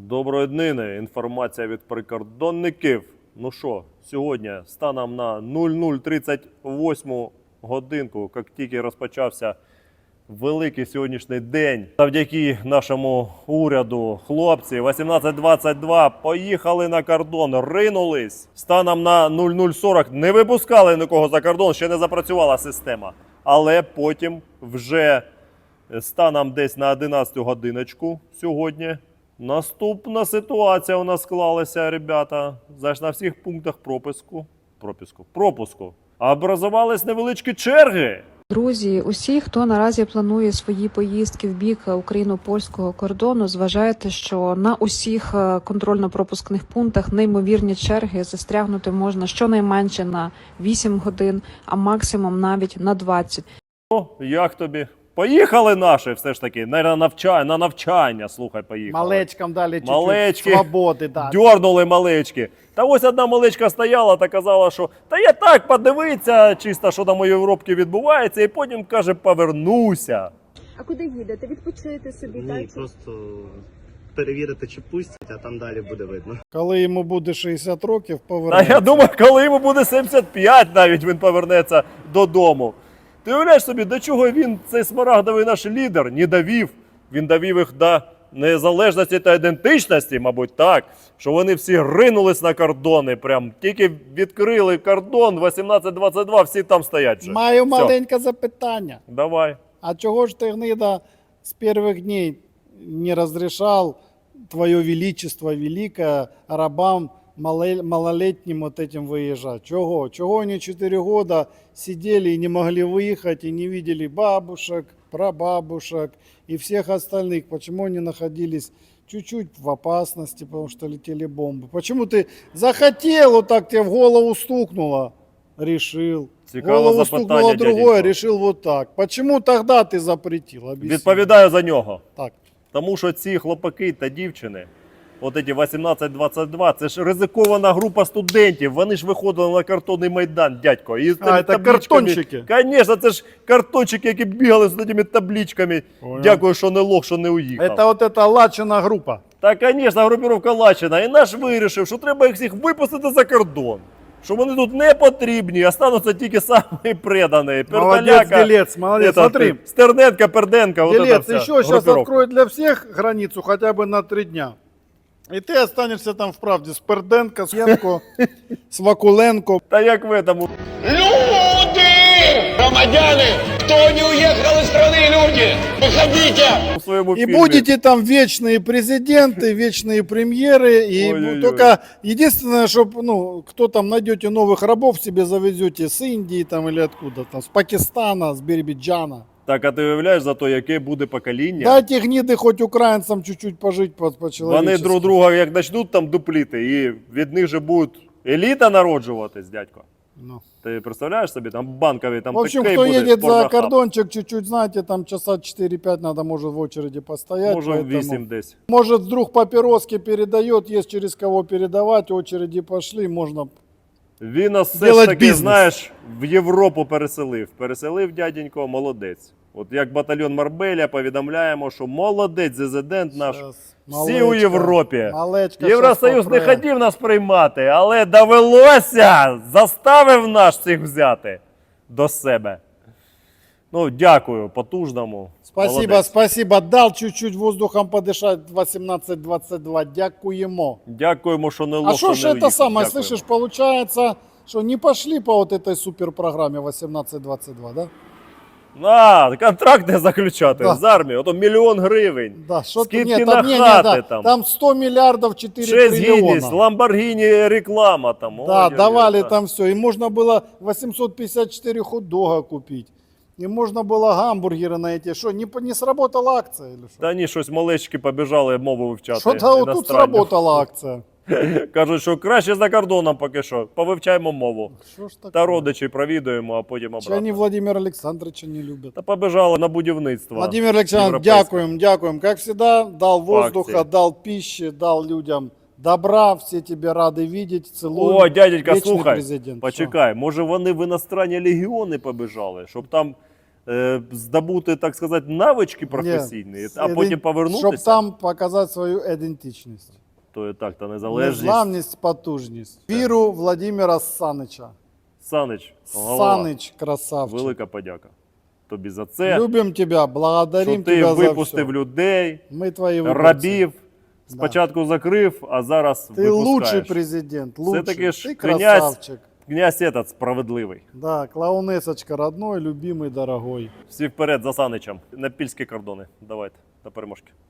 Доброї днини. Інформація від прикордонників. Ну що, сьогодні станом на 00:38 годинку, як тільки розпочався великий сьогоднішній день, завдяки нашому уряду, хлопці 1822 поїхали на кордон, ринулись. Станом на 00:40 не випускали нікого за кордон, ще не запрацювала система. Але потім вже станом десь на 11 годиночку сьогодні наступна ситуація у нас склалася, ребята. Знаєш, на всіх пунктах пропуску образувались невеличкі черги. Друзі, усі, хто наразі планує свої поїздки в бік україно-польського кордону, зважайте, що на усіх контрольно-пропускних пунктах неймовірні черги, застрягнути можна щонайменше на 8 годин, а максимум навіть на 20. О, як тобі? Поїхали наші все ж таки, на навчання, слухай, поїхали. Малечкам дали Малечки чуть-чуть свободи. Да. дьорнули малечки. Та ось одна малечка стояла та казала, що та я так подивиться, чисто, що там у Європі відбувається, і потім, каже, повернуся. А куди їдете? Відпочити собі, Ні, так? просто перевірити, чи пустять, а там далі буде видно. Коли йому буде 60 років, Та повернеться. я думаю, коли йому буде 75, навіть він повернеться додому. Ти уявляєш собі, до чого він, цей смарагдовий наш лідер, не довів? Він довів їх до незалежності та ідентичності, мабуть, так, що вони всі ринулись на кордони, прям тільки відкрили кордон 1822, всі там стоять вже. Маю Все. маленьке запитання. Давай. А чого ж ти, гнида, з перших днів не розрішав твоє величество велике рабам малолетним вот этим выезжать? Чего? Чего они 4 года сидели и не могли выехать, и не видели бабушек, прабабушек и всех остальных? Почему они находились чуть-чуть в опасности, потому что летели бомбы? Почему ты захотел, вот так тебе в голову стукнуло, решил? Цікаве Голову запитання, стукнуло другое, дяденько. решил вот так. Почему тогда ты запретил? Объясни. Відповідаю за нього. Так. Тому що ці хлопаки та дівчини, от ці 18-22, це ж ризикована група студентів. Вони ж виходили на картонний майдан, дядько. І з тими це табличками. картончики? Звісно, це ж картончики, які бігали з цими табличками. Понял. Дякую, що не лох, що не уїхав. Это вот эта лачина группа. Та, звісно, групіровка Лачина. І наш вирішив, що треба їх всіх випустити за кордон. Що вони тут не потрібні, остануться тільки самі предані. Молодец, Делец, молодец. Смотри, Стерненко, Перденко, вот это Делец, вся еще сейчас группировка. откроют для всех границу хотя бы на 3 дня. И ты останешься там вправде с Перденко, с Янко, с Вакуленко. Та як в этому. Люди! Громадяне! Кто не уехал из страны, люди? Выходите! У своєму И фільмі. будете там вечные президенты, вечные премьеры. И Ой-ой-ой. только единственное, чтобы, ну, кто там найдете новых рабов, себе завезете с Индии там или откуда там, с Пакистана, с Биробиджана. Так, а ти уявляєш за то, яке буде покоління? Дайте гниды хоть украинцам чуть-чуть пожить Вони по-человечески. друг друга як почнуть там дупліти, і від них же буде еліта народжуватись, дядько. Ну. Ти представляєш собі, там банкові, там В общем, такий кто буде едет за порнохаб. кордончик, чуть-чуть, знаете, там часа 4-5 надо, может, в очереди постоять. Може поэтому- 8 десь. Может, вдруг папироски передает, есть через кого передавать, очереди пошли, можно... Він нас все Делать ж таки, бізнес. знаєш, в Європу переселив. Переселив, дяденько, молодець. От як батальйон Марбеля повідомляємо, що молодець резидент наш. Щас. Всі у Європі. Малечка Євросоюз щас не попре. хотів нас приймати, але довелося, заставив нас всіх взяти до себе. Ну, дякую потужному. Спасибо, Молодець. спасибо. Дал чуть-чуть воздухом подышать 18-22. Дякуємо. Дякуємо, що не лох, А что ж не это уїхав. самое, Дякуємо. слышишь, получается, что не пошли по вот этой суперпрограмме 18-22, да? А, контракт не заключати Да. з армією, ото 1 мільйон гривень. Да, что Скидки нет, на там, хаты там. там 100 миллиардов 4 6 триллиона. гідність, Ламборгіні реклама там. Да, Ой-ой-ой, давали да. там все. И можно было 854 хот-дога купить. И можно было гамбургеры на эти. Что, не сработала акция или что? Та ні, щось малечки побіжали мову вивчати. Что-то вот тут іностранну. сработала акция. Кажуть, що краще за кордоном поки що. Повивчаємо мову. Что ж такое? Та родичі провідуємо, а потім Чи они обратно. Владимира Александровича не любят? Та побіжали на будівництво. Владимир Александрович, європейське. дякуем. Как всегда, дал воздуха, акции. дал пищи, дал людям добра. Все тебе рады видеть. Целую. О, дяденька, Вечный слухай, президент. почекай, може вони в іностранні легіони побіжали, щоб там здобути, так сказати, навички професійні, а потім повернутися, Щоб там показати свою ідентичність. то і так, та незалежність. Незламність, потужність. Віру Владимира Санича. Санич, голова, Санич, красавчик. велика подяка тобі за це, Любим тебя, благодарим що ти тебя за випустив все. людей, Мы твои выборцы. рабів, спочатку закрив, а зараз Ты лучший випускаєш. президент, лучший. Все-таки ж Ты князь, красавчик. князь этот справедливий. Да, клоунесочка родной, любимый, дорогой. Всі вперед за Саничем. На пільські кордони. Давайте, до переможки.